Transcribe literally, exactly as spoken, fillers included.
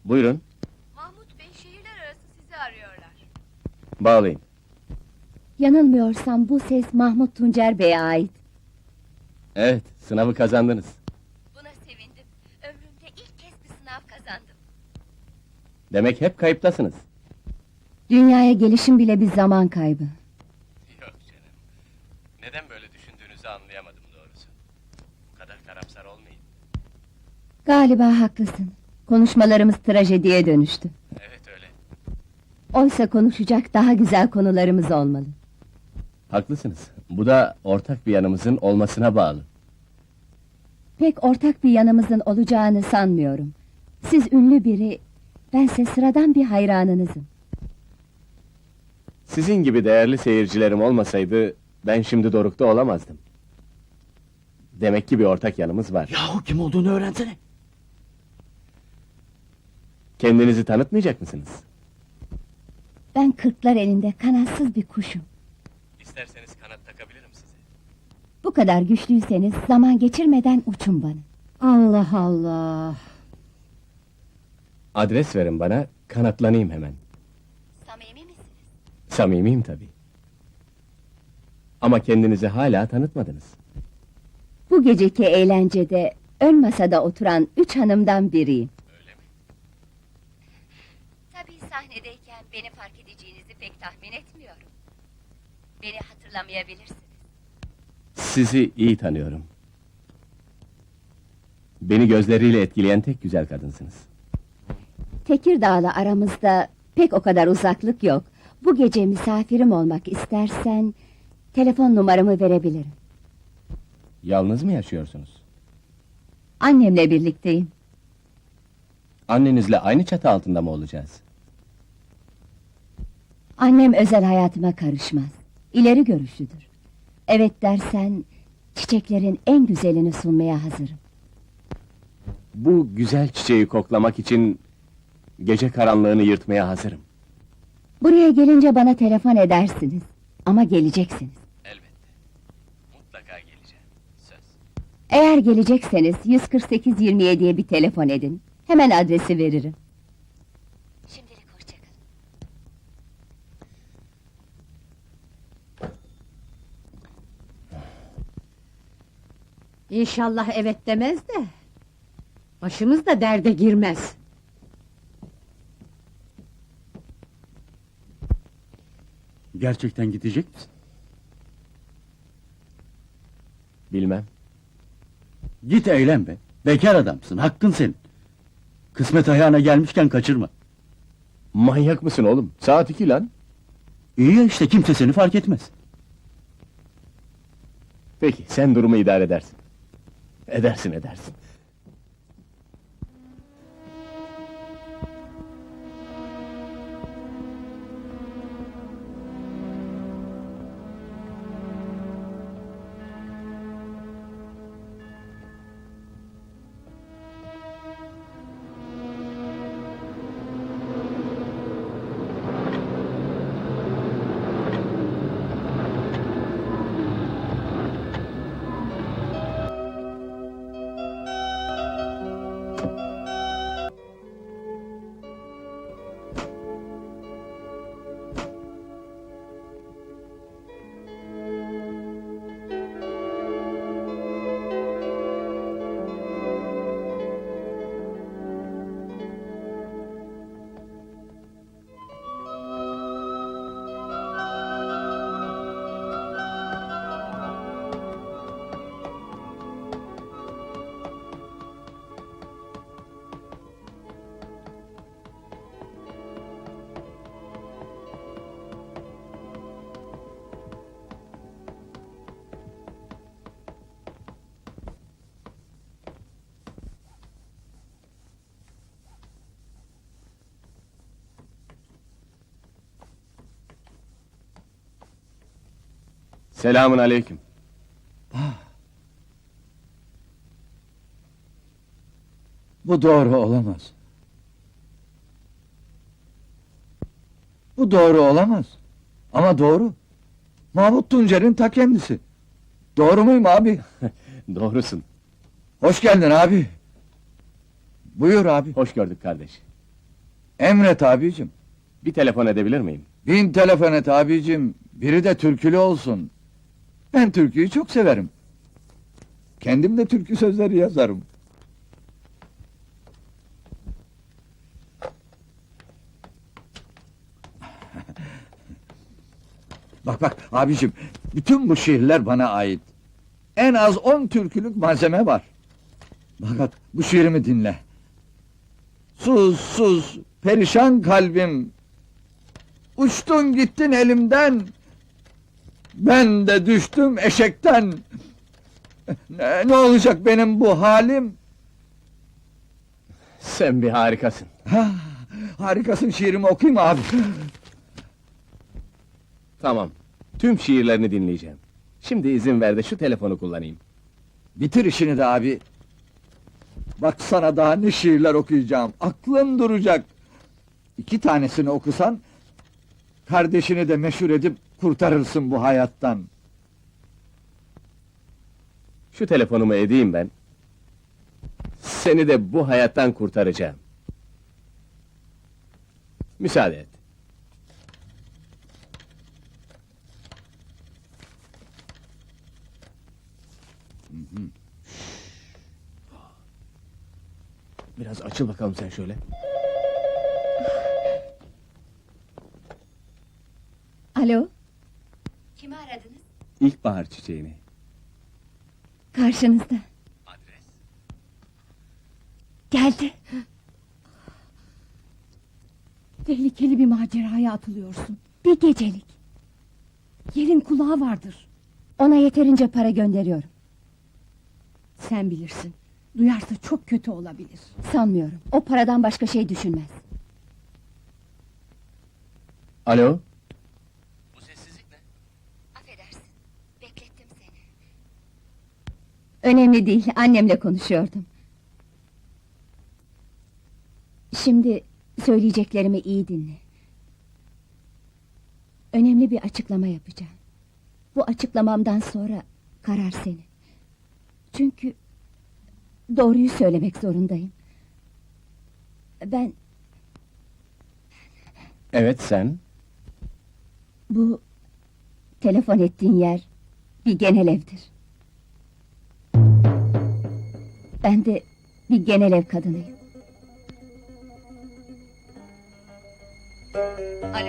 Buyurun, Mahmut Bey şehirler arası sizi arıyorlar. bağlayın. Yanılmıyorsam bu ses Mahmut Tuncer Bey'e ait. Evet, sınavı kazandınız. Buna sevindim. Ömrümde ilk kez bir sınav kazandım. Demek hep kayıptasınız. Dünyaya gelişim bile bir zaman kaybı. Yok canım. Neden böyle düşündüğünüzü anlayamadım doğrusu. Bu kadar karamsar olmayın. Galiba haklısın. Konuşmalarımız trajediye dönüştü. Evet öyle. Oysa konuşacak daha güzel konularımız olmalı. Haklısınız. Bu da ortak bir yanımızın olmasına bağlı. Pek ortak bir yanımızın olacağını sanmıyorum. Siz ünlü biri, bense sıradan bir hayranınızım. Sizin gibi değerli seyircilerim olmasaydı, ben şimdi Doruk'ta olamazdım. Demek ki bir ortak yanımız var. Yahu kim olduğunu öğrensene. Kendinizi tanıtmayacak mısınız? Ben kırklar elinde kanatsız bir kuşum. İsterseniz kanat takabilirim size. Bu kadar güçlüyseniz zaman geçirmeden uçun bana. Allah Allah! Adres verin bana, kanatlanayım hemen. Samimi misiniz? Samimiyim tabii. Ama kendinizi hala tanıtmadınız. Bu geceki eğlencede ön masada oturan üç hanımdan biriyim. Öyle mi? Tabii sahnedeyken beni fark edeceğinizi pek tahmin etmiyorum. Beni hatırlamayabilirsiniz. Sizi iyi tanıyorum. Beni gözleriyle etkileyen tek güzel kadınsınız. Tekirdağ'la aramızda pek o kadar uzaklık yok. Bu gece misafirim olmak istersen telefon numaramı verebilirim. Yalnız mı yaşıyorsunuz? Annemle birlikteyim. Annenizle aynı çatı altında mı olacağız? Annem özel hayatıma karışmaz. İleri görüşlüdür. Evet dersen çiçeklerin en güzelini sunmaya hazırım. Bu güzel çiçeği koklamak için gece karanlığını yırtmaya hazırım. Buraya gelince bana telefon edersiniz. Ama geleceksiniz. Elbette. Mutlaka geleceğim. Söz. Eğer gelecekseniz yüz kırk sekiz yirmi yediye bir telefon edin. Hemen adresi veririm. Şimdilik hoşçakalın. İnşallah evet demez de... ...başımız da derde girmez. Gerçekten gidecek misin? Bilmem. Git eğlen be. Bekar adamsın, hakkın senin. Kısmet ayağına gelmişken kaçırma. Manyak mısın oğlum? Saat iki lan. İyi ya işte, kimse seni fark etmez. Peki, sen durumu idare edersin. Edersin, edersin. Selamun aleyküm. Bu doğru olamaz. Bu doğru olamaz. Ama doğru. Mahmut Tuncer'in ta kendisi. Doğru muyum abi? Doğrusun. Hoş geldin abi. Buyur abi. Hoş gördük kardeş. Emret abicim. Bir telefon edebilir miyim? Bin telefon et abicim. Biri de türkülü olsun. Ben türküyü çok severim. Kendim de türkü sözleri yazarım. Bak bak abicim, bütün bu şiirler bana ait. En az on türkülük malzeme var. Fakat bu şiirimi dinle. Sus sus, perişan kalbim. Uçtun gittin elimden. Ben de düştüm eşekten. Ne, ne olacak benim bu halim? Sen bir harikasın. Ha, harikasın, şiirimi okuyayım mı abi? Tamam. Tüm şiirlerini dinleyeceğim. Şimdi izin ver de şu telefonu kullanayım. Bitir işini de abi. Bak sana daha ne şiirler okuyacağım. Aklın duracak. İki tanesini okusan, kardeşini de meşhur edip kurtarırsın bu hayattan. Şu telefonumu edeyim ben. Seni de bu hayattan kurtaracağım. Müsaade et. Biraz açıl bakalım sen şöyle. Alo, Kimi aradınız? İlkbahar çiçeğini. karşınızda. Adres. Geldi. Tehlikeli bir maceraya atılıyorsun. Bir gecelik. Yerin kulağı vardır. Ona yeterince para gönderiyorum. Sen bilirsin. Duyarsa çok kötü olabilir. Sanmıyorum. O paradan başka şey düşünmez. Alo? Bu sessizlik ne? Affedersin. Beklettim seni. Önemli değil, annemle konuşuyordum. Şimdi söyleyeceklerimi iyi dinle. Önemli bir açıklama yapacağım. Bu açıklamamdan sonra karar senin. Çünkü doğruyu söylemek zorundayım. Ben Evet sen. bu telefon ettiğin yer bir genel evdir. Ben de bir genel ev kadınıyım. Alo?